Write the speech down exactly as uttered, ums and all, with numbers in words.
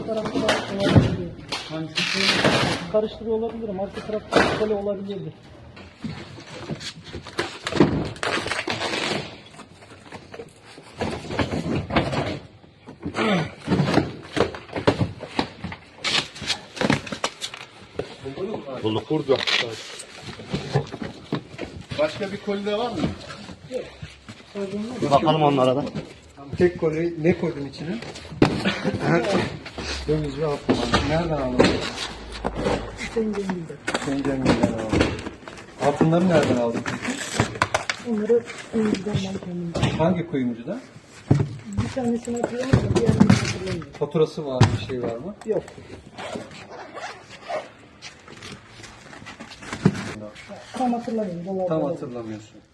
arka tarafta da olabilir. Hangisi? Karıştırıyor olabilirim. Arka tarafta kole olabilirdi. Bulduk. Burada. Başka bir koli de var mı? Bakalım onlara da. Tek koli ne koydun içine? Döviz ve altın. Nereden aldın? Tencerimde. Penceremden aldım. Altınları nereden aldın? Onları önceden ben kendim. Hangi kuyumcuda? Bir tanesini hatırlamıyorum da diğerini hatırlamıyorum. Faturası var, bir şey var mı? Yok. Tam hatırlamıyorum. Dolar Tam dolar. hatırlamıyorsun.